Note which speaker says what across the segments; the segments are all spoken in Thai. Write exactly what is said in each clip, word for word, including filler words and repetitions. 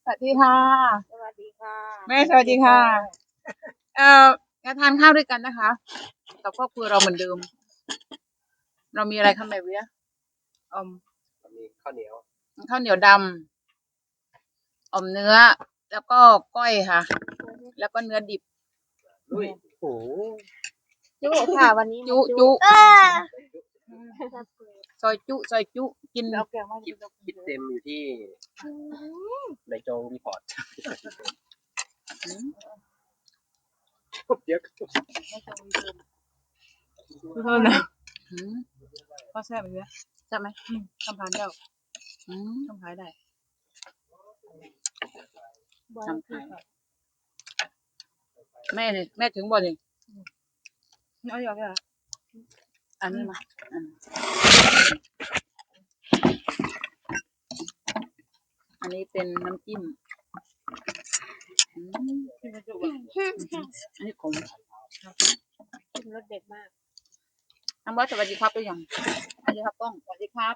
Speaker 1: สวัสดีค่ะ
Speaker 2: สวัสดีค่ะ
Speaker 1: แม่สวัสดีค่ะเอ่อจะทานข้าวด้วยกันนะคะกับครอบครัวเราเหมือนเดิมเรามีอะไรคะแม่เวียอม
Speaker 3: มีข้าวเหนียว
Speaker 1: ข้าวเหนียวดำอมเนื้อแล้วก็ก้อยค่ะแล้วก็เนื้อดิบ
Speaker 3: ลุยโอ้
Speaker 2: จุค่ะวันนี้
Speaker 1: จุจุซอยจุซอยจุกิน
Speaker 2: เอาแก้วมา
Speaker 3: คิดคิดเต็มอยู่ที่ในจงรีพอร์ตเยอะ
Speaker 1: เท่านั้นพ่อแซ่บไหมเวียแซ่บไหมทำพานเจ้าทำขายได้ทำขายแม่เนี่ยแม่ถึงบ่นี่เอาอยู่อ่ะอันนี้มาอันนี้เป็นน้ำจิ้มอันนี้ขม
Speaker 2: ชิมรสเด็ดมาก
Speaker 1: น้ำบอสสวัสดีครับตัวอย่างสวัสดีครับป้องสวัสดีครับ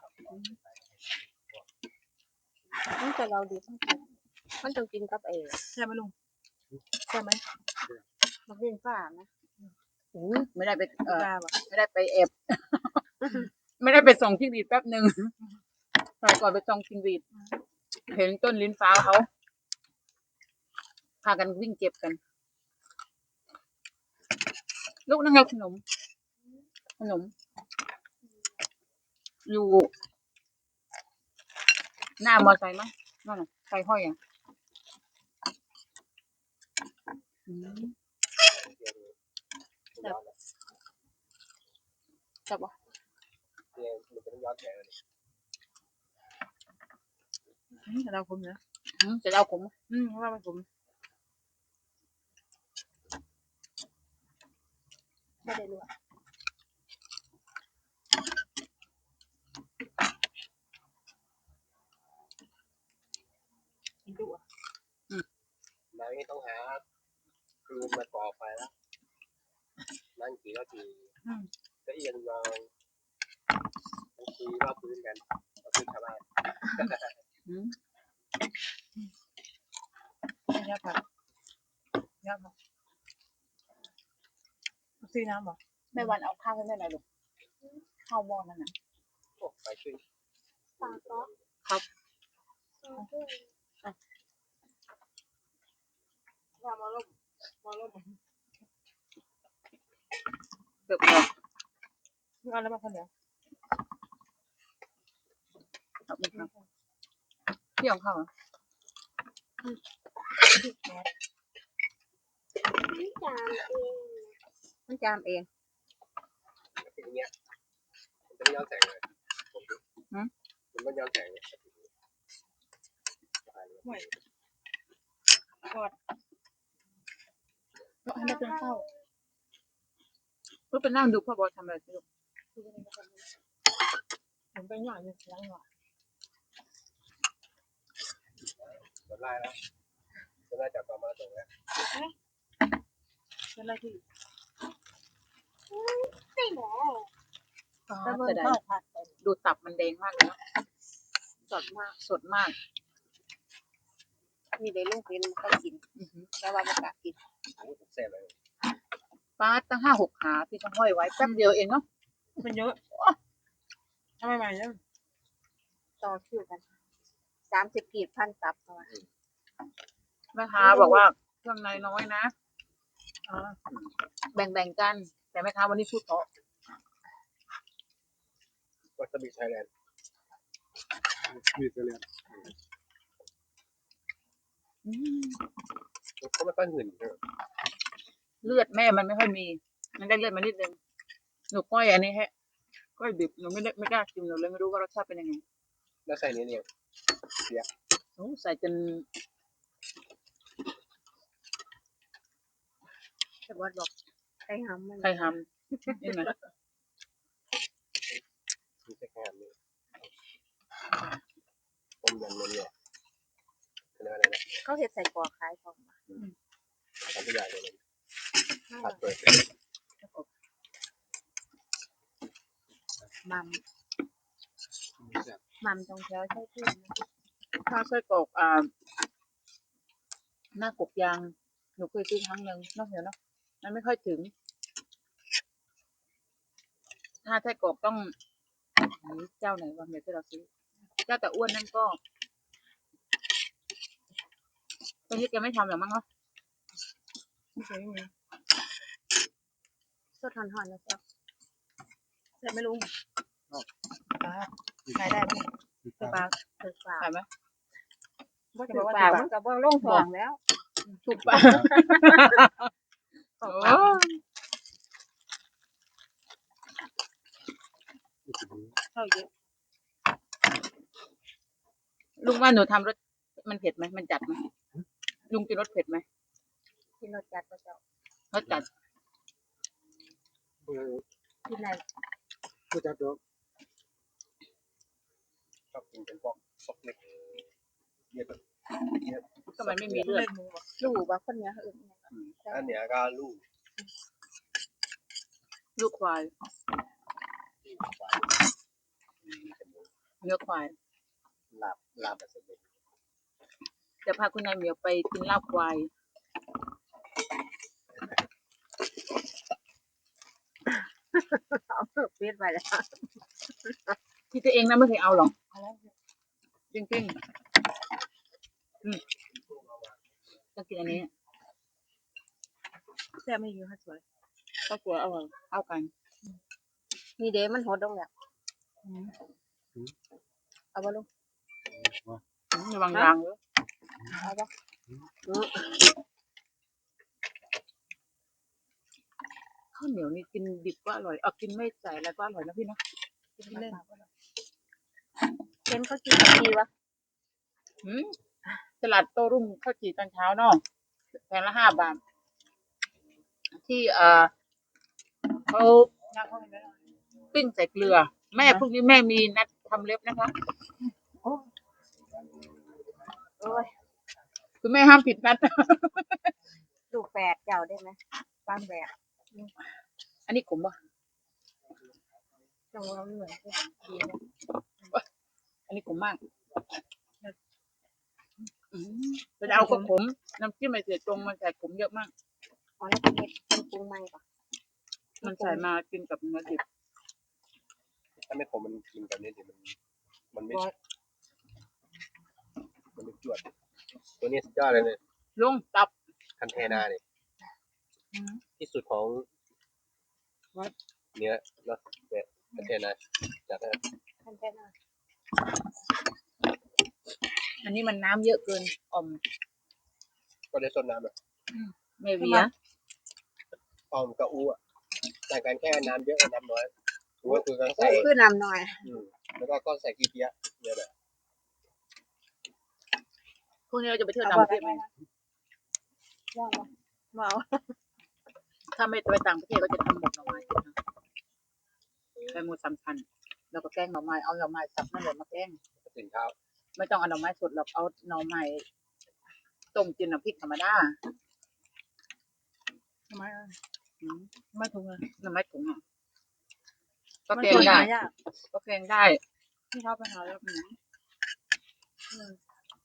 Speaker 2: ตั้งแต่เราดีทั้งคู่มันต้องกินกับเอง
Speaker 1: ใช่ไหมลุงใช่ไหม
Speaker 2: มันเป็นฝ้านะ
Speaker 1: อุ้ยไม่ได้ไปเออไม่ได้ไปแอบไม่ได้ไปส่องจิ้งหรีดแป๊บหนึ่งใส่ก่อนไปส่องจิ้งหรีดเห็นต้นลิ้นฟ้าเขาพากันวิ่งเก็บกันลูกนั่งไงขนมขนมอยู่หน้ามอไซค์มั้ยนั่นน่ะใส่ห้อยอ่ะจับจับวะ
Speaker 3: เนี่ยมันเป็นย้อนแสงเลย
Speaker 1: จะเดาผมนะจะเดาผมอืมว่ามันผม
Speaker 2: ไม่ได้รู้
Speaker 1: กินดุอ่ะ
Speaker 3: นายต้องหาคืนมาก่อไฟแล้วนั่งกี่ก็กี่ก็เอียงยองคุยว่าพื้นกันว่าพื้นชาวบ้าน
Speaker 1: ยาผักยาผักซื้อน้ำบ่แม่วันเอาข้าวให้แม่หน่อยลูกข้าวหม้อนั่นน่ะ
Speaker 3: โอ้ไปช่วย
Speaker 2: ปลาก็
Speaker 1: ครับ
Speaker 2: ว่ามาลบมาลบ
Speaker 1: เกือบแล้วเอาแล้วมาข้าวเหนียวครับเที่ยวข้าวมันจามเอง
Speaker 3: มันจามเองอย่างเงี้ยมันจะไม่ย้อนแสงเลยมันไม่ย้อนแสงเลย
Speaker 1: ห่วยกอดก็ให้ได้เป็นข้าวเพื่อไปนั่งดูพ่อบอลทำอะไรลูกผมไปหน่อยนึงล้างหน่อย
Speaker 3: จะไล่แล้วจะไล่จากต่อมาตรงนี้
Speaker 1: เป็นอะไรที่
Speaker 2: ไม่หรอ
Speaker 1: แต่เมื่อได้ดูตับมันแดงมากเลยนะสดมากสดมาก
Speaker 2: มีได้ลูกกินมันก็กินแล้วว่ามันกะกิน
Speaker 3: อันนี้ผมเสร็จเลย
Speaker 1: ปลาตั้งห้าหกขาที่ต้องห้อยไว้แป๊บเดียวเองเนาะมันเยอะทำไมใหม่เนี่ย
Speaker 2: ต่อคิวกันสามสิบกีบพันตับประมาณ
Speaker 1: แม่ค้าบอกว่าเครื่องในน้อยนะแบ่งๆกันแต่แม่ค้าวันนี้พูดเพราะ
Speaker 3: วัสบิไทยแลนด์มีไทยแลนด์เขาไม่ค่อยหื่น
Speaker 1: เลือดแม่มันไม่ค่อยมีมันได้เลือดมานิดนึงหนูก้อยอันนี้ฮะก้อยดิบหนูไม่ได้ไม่กล้ากินหนูเลยไม่รู้ว่ารสชาติเป็นยังไง
Speaker 3: แล้วใส่นี้เนี่ยเสีย
Speaker 1: โอ้ใส่จน
Speaker 2: แต่ว่าบอกไข่หำมัน
Speaker 1: ไข่หำนี่ไง
Speaker 3: มีแค่แค่นี้ต้มยำเนี่ยเป็นอะไรนะ
Speaker 2: เขาเห็ดใส่กรอกขายของ
Speaker 3: ทำทุกอย่างเลยผัดเปิด
Speaker 2: มัมมัมตรงแถวใช่ที่
Speaker 1: ข้าวไส้กรอกอ่าหน้ากกยางหนูเคยซื้อครั้งหนึ่งนอกเหนือเนาะมันไม่ค่อยถึง ถ้าไส้กรอกต้องเจ้าไหนวะเดี๋ยวที่เราซื้อเจ้าแต่อ้วนนั่นก็ตอนนี้แกไม่ทำหรอมั้งเนาะไม่เคยมี
Speaker 2: สดหอนๆนะเจ้า
Speaker 1: แต่ไม่รู้ปลาขายได้ไหมปลา
Speaker 2: ถือปาก
Speaker 1: ขายไหม
Speaker 2: บ่ถือปากมันก็บ่ลงท้องแล้ว
Speaker 1: ถูกปะโอ้เข้าเยอะลุงว่าหนูทำรสมันเผ็ดไหมมันจัดไหมลุงกินรสเผ็ดไหม
Speaker 2: กินรสจัดบ่เจ้าร
Speaker 1: สจัด
Speaker 2: กินไหน
Speaker 3: ผู้จัดดอกชอบกินเป็นพวกซอกเล็กเยอะเยอะ
Speaker 1: ก็มันไม่มีเลือด
Speaker 2: รู้บ่คนเนี้ยอื่นเนี่ย
Speaker 3: อันเนี้ยก็ลูก
Speaker 1: ลูกควาย
Speaker 3: ที่หวาน
Speaker 1: เนื้อควาย
Speaker 3: ลาบลาบแบบสำเร็จ
Speaker 1: จะพาคุณนายเหมียวไปกินลาบควาย
Speaker 2: เอาเปิดไว้แล้ว
Speaker 1: ที่ตัวเองนะไม่เคยเอาหรอกจริงๆอืมต้องกินอันนี้แซ่บไม่เยอะค่ะสวยก็สวยอร่อยเอากัน
Speaker 2: นี่เด้มันหดลงแล้ว
Speaker 1: อืม
Speaker 2: เอาบ่ลูก
Speaker 1: ระวังยางเยอะ
Speaker 2: เอาบ่อือ
Speaker 1: ข้าวเหนียวนี่กินดิบก็อร่อยเอากินไม่ใส่อะไรก็อร่อยนะพี่เนาะกินเล่น
Speaker 2: เห็นเขากินกันดีวะ
Speaker 1: อืมตลาดโต้รุ่งข้าวจี่ตอนเช้าเนาะแพงละห้าบาทที่เอ่อเขาปิ้งใส่เกลือ แม่พรุ่งนี้แม่มีนัดทำเล็บนะคะ
Speaker 2: โอ้ย
Speaker 1: คุณแม่ห้ามผิดนัด
Speaker 2: ลูกแฝดเจ้าได้ไหมบ้านแฝด
Speaker 1: อันนี้ขมป่ะ
Speaker 2: จังว่าเหมือนกันดีนะ
Speaker 1: อันนี้ขมมากอืมแต่เอาก็ขมน้ำจิ้มไม่เสียตรงมันใส่ขมเยอะมาก
Speaker 2: อ๋อแล้วเป็นเห็ดเป็นปรุงใหม่ปะ
Speaker 1: มันใส่มากินกับเนื้อดิบ
Speaker 3: ถ้าไม่ผมมันกินแบบนี้เดี๋ยวมันมันไม่มันไม่จวดตัวนี้สุดยอดเลยเนี่ย
Speaker 1: ลุงตับ
Speaker 3: คันเทนาเนี่ยที่สุดของเนื้อเนาะเนี่ยคันเทนาจัดนะ
Speaker 2: ท่านแค่นั้น
Speaker 1: อันนี้มันน้ำเยอะเกินอ่อม
Speaker 3: ก็ได้ต้นน้ำอ่ะ
Speaker 1: ไม่เวีย
Speaker 3: ออมกับอูอ่ะแต่างกันแค่น้ำเยอะกับน้ำน้อยอูก็คือการใส่
Speaker 2: คือนำหน่อย
Speaker 3: อืมแล้วก็ก็ใส่กีเปียะเนี่ยแหละ
Speaker 1: พรุ่งนี้เราจะไปเที่ยวต่างประเทศไหม
Speaker 2: ย่างมาเมา
Speaker 1: ถ้าไม่ไปต่างประเทศก็จะทำหมกหน่อไม้กินนะแกงหมูสำคัญแล้วก็แกงหน่อไม้เอาหน่อไม้สับนั่นแหละมาแกง
Speaker 3: ตื่นเช้า
Speaker 1: ไม่ต้องเอาหน่อไม้สดหรอกเอาหน่อไม้ต้มกินน้ำพริกธรรมดาทำไมอ่ะอืมไม่ถุงอ่ะหน่อไม้ถุงอ่ะก็แกงได้ก็แกงได้ที่เขาไปหาแล้วอืมอืม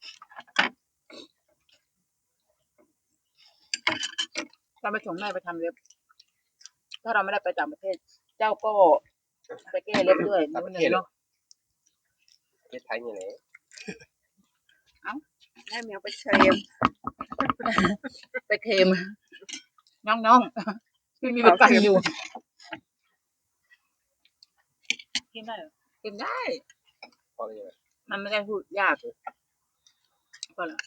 Speaker 1: ถ้าไปส่งแม่ไปทำเล็บถ้าเราไม่ได้ไปต่างประเทศ เจ้าก็ไปแก้เล็บด้วยนิดนึงเนาะ
Speaker 3: ประเทศไทยนี่แหละ
Speaker 2: ให้เมียไปเชม
Speaker 1: ไปเค็มน้องๆพี่มีประกันอยู่กินได้เหรอกินได้
Speaker 3: พอเลย
Speaker 1: มันไม่ได้พูดยากก็ละ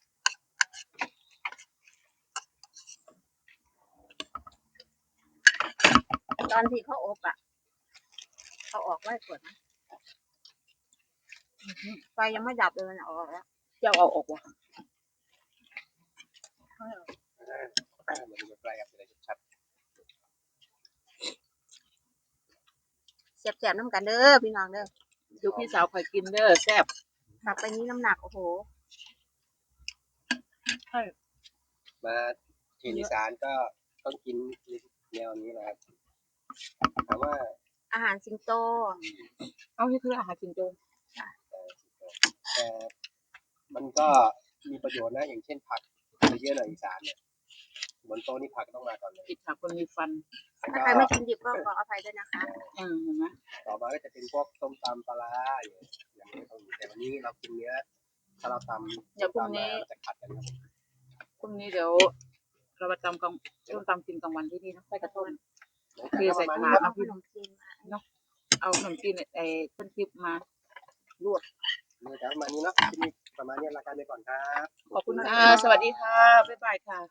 Speaker 2: ตอนที่เขาอบอ่ะเขาออกไว้ก่อนนะไฟยังไม่ดับเลยมันออกแล้ว
Speaker 1: เจ้าเอาออกวะ
Speaker 3: มันจะใกล้กับอะไรชัด
Speaker 2: เสียบๆน้ำกันเด้อพี่น้องเด้อ
Speaker 1: ดูพี่สาวคอยกินเด้อแซ่บ
Speaker 2: ตักไปนี้น้ำหนักโอ้โห
Speaker 3: มาที่อีสานก็ต้องกินแนวนี้นะครับแต่ว่า
Speaker 2: อาหารสิงโต
Speaker 1: เอาที่คืออาหารจินโจ
Speaker 3: แต่มันก็มีประโยชน์นะอย่างเช่นผักในเยอะหน่อยอีสานเนี่ยบนโต๊ะนี่ผักต้องมาก่อนเลย
Speaker 1: กินผักคนมีฟัน
Speaker 3: แล้ว
Speaker 2: ถ้า
Speaker 3: ก็
Speaker 2: ใครไม่กินดิบก็ขออภัยด้วยนะคะ
Speaker 1: อืมเห็นไหม
Speaker 3: ต่อมาก็จะเป็นพวกต้มตำปลาร้าอย่างอย่างนี้ต้องมีแต่วันนี้เรากินเนื้อถ้าเราตำ
Speaker 1: เดี๋ยวพรุ่ง
Speaker 3: ตำ
Speaker 1: นี้
Speaker 3: มาจะขัดกันครับ
Speaker 1: พรุ่งนี้เดี๋ยวเรามาตำกลางร่วมตำกินกลางวันที่นี่นะไปกระต้น
Speaker 3: เท
Speaker 1: คือใส่
Speaker 3: ประ
Speaker 1: ถา
Speaker 3: มาณ
Speaker 1: ด
Speaker 3: นี้
Speaker 1: เอาพี่
Speaker 2: ขนมจีนมา
Speaker 1: เอาขนมจีนไอ้ต้นคลิปมาลวก
Speaker 3: เนื้อประมาณนี้เนาะที่นี่ประมาณนี้รายการไปก่อนครับ
Speaker 1: ขอบคุณค่ะ สวัสดีค่ะ บ๊ายบายค่ะ